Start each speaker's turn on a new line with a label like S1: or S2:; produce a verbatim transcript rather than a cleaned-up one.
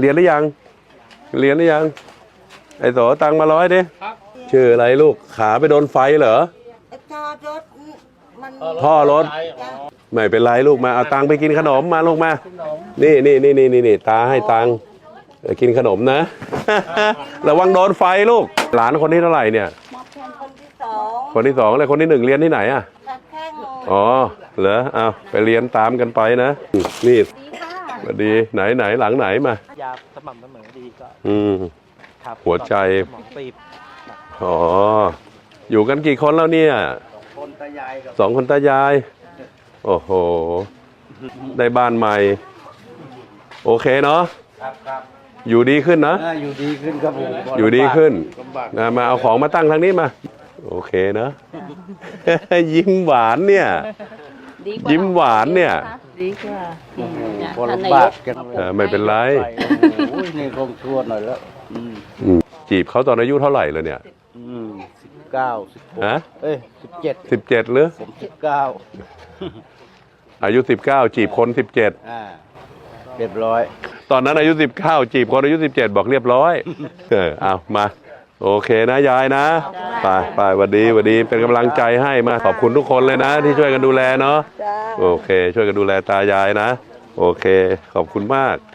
S1: รียนหรือยังเรียนหรือยังไอ้โสตังมาร้อยดิชื่ออะไรลูกขาไปโดนไฟเหรอ
S2: ท่ารถมัน
S1: ท่อรถไม่เป็นไรลูกมาเอาตังไปกินขนมมาลูกมานี่นี่นี่นี่นี่ตาให้ตังกินขนมนะระวังโดนไฟลูกหลานคนที่เท่าไหร่เนี่ย
S2: คนที่สอง
S1: คนที่สองเลยคนที่หนึ่งเรียนที่ไหนอ่ะ
S2: แข้ง
S1: อ๋อเหรอเอาไปเรียนตามกันไปนะนี่สวัสดีไหนไหนหลังไหนมาย
S3: าสม่ำเสมอดีก็
S1: อืมหัวใจ
S3: หมองตีบ
S1: อ๋ออยู่กันกี่คนแล้วเนี่ย
S3: คนตายาย
S1: สองคนตายายโอ้โหได้บ้านใหม่โอเคเนาะอยู่ดีขึ้นนะ
S3: อยู่ดีขึ้นครับผม
S1: อยู่ดีขึ้นมาเอาของมาตั้งทางนี้มาโอเคนะยิ้มหวานเนี่ยยิ้มหวานเนี่ย
S2: ดีกว่า
S3: คนลำบากกัน
S1: ไม่เป็นไร
S3: นี่คงชวนหน่อยแล้ว
S1: จีบเขาตอนอายุเท่าไหร่เลยเนี่ย
S3: สิบเก้าสิบหก
S1: ฮะ
S3: เอ้ยสิบเจ็ด
S1: สิบเจ็ดหรือ
S3: ผมสิบเก้า
S1: อายุสิบเก้าจีบคนสิบเจ็ด
S3: อ่าเรียบร้อย
S1: ตอนนั้นอายุสิบเก้าจีบคนอายุสิบเจ็ดบอกเรียบร้อยเออเอามาโอเคนะยายนะไปไปสวัสดีสวัสดีเป็นกำลังใจให้มาขอบคุณทุกคนเลยนะที่ช่วยกันดูแลเนาะโอเคช่วยกันดูแลตายายนะโอเคขอบคุณมาก